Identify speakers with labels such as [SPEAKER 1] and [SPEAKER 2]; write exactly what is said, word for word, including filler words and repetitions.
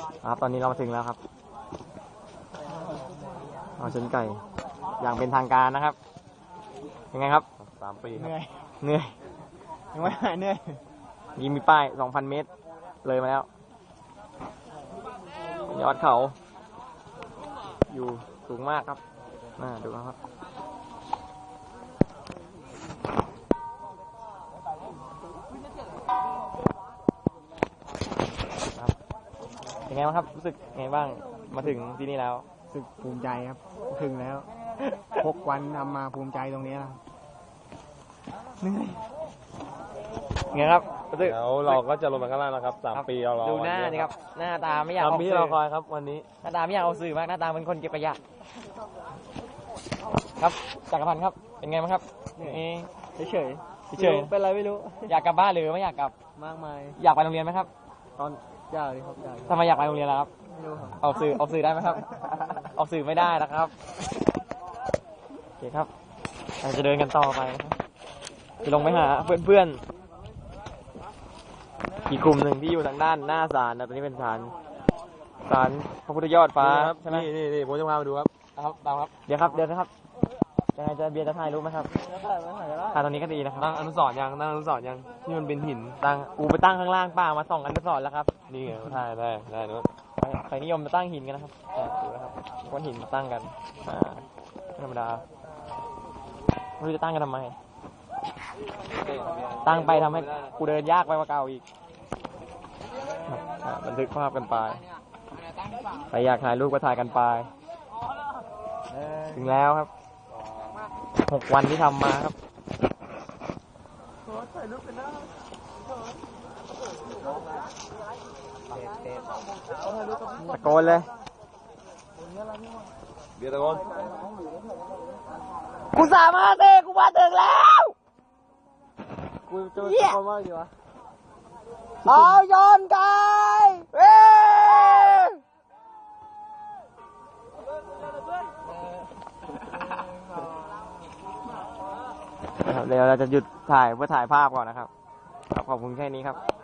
[SPEAKER 1] ครับตอนนี้เรามาถึงแล้วครับเอาชนไก่อย่างเป็นทางการนะครับยังไงครับสามปีเหนื่อยเหนื่อยยังไม่หายเหนื่อยยิงมีป้ายสองพันเมตรเลยมาแล้วยอดเขาอยู่สูงมากครับน่าดูนะครับยังไงบ้างครับรู้สึกไงบ้างมาถึงที่นี่แล้ว
[SPEAKER 2] รู้สึกภูมิใจครับถึงแล้วหกวันทำมาภูมิใจตรงนี้แล้ว
[SPEAKER 1] เหนื่อยไงครับ
[SPEAKER 3] เดี๋ยวเราก็จะลงมาข้างล่างนะครับสามปีเรารอ
[SPEAKER 1] ดูหน้านี่ครับหน้าตาไม่อยากออกสื่อ
[SPEAKER 3] เราคอยครับวันนี้
[SPEAKER 1] หน้าตาไม่อยากเอาสื่อมากหน้าตาเป็นคนเก็บขยะครับจักรพันธ์ครับเป็นไงบ้างครับเฉยเฉยเฉย
[SPEAKER 2] เป็นไรไม่รู้
[SPEAKER 1] อยากกลับบ้านหรือไม่อยากกลับ
[SPEAKER 2] มากมาย
[SPEAKER 1] อยากไปโรงเรียนไหมครับ
[SPEAKER 2] ตอนอยากเลยครับอยาก
[SPEAKER 1] ทำไมอยากไปโรงเรียนล่ะครับ
[SPEAKER 2] ไม่รู้ครับ
[SPEAKER 1] ออกสื่อออกสื่อได้ไหมครับออกสื่อไม่ได้นะครับโอเคครับเราจะเดินกันต่อไปจะลงไปหาเพื่อนๆอีกกลุ่มหนึ่งที่อยู่ทางด้านหน้าศาลนะตอนนี้เป็นศาลศาลพระพุทธยอดฟ้าใช่ไหม
[SPEAKER 3] นี่นี่ผมจะพามาดูครับ
[SPEAKER 1] ครับตามครับเดี๋ยวครับเดี๋ยวนะครับยังไงจะเบียร์จะถ่ายรูปไหมครับถ่ายตรงนี้ก็ดีนะครับ
[SPEAKER 3] ตั้งอนุสรณ์ยังตั้งอนุสรณ์ยังที่มันเป็นหิน
[SPEAKER 1] ตั้งอูไปตั้งข้างล่างป่ามาส่องอนุสรณ์แล้วครับ
[SPEAKER 3] นี่ไงถ่ายได้ได้นู้น
[SPEAKER 1] ใครนิยมมาตั้งหินกันนะครับดูนะครับก้อนหินมาตั้งกันอ่าธรรมดาไม่รู้จะตั้งกันทำไมตั้งไปทำให้กูเดินยากไปกว่าเก่าอีกบันทึกภาพกันไปใครอยากถ่ายรูปก็ถ่ายกันไปถึงแล้วครับหกวันที่ทำมาครับตะโกนเลย
[SPEAKER 3] เบียร์ตะโกน
[SPEAKER 1] กูสามารถเองกูมาถึงแล้ว
[SPEAKER 2] กูจะตะโกนว่าอยู่วะ
[SPEAKER 1] เอาย้อนกายเว้เดี๋ยวเราจะหยุดถ่ายเพื่อถ่ายภาพก่อนนะครับขอบคุณแค่นี้ครับ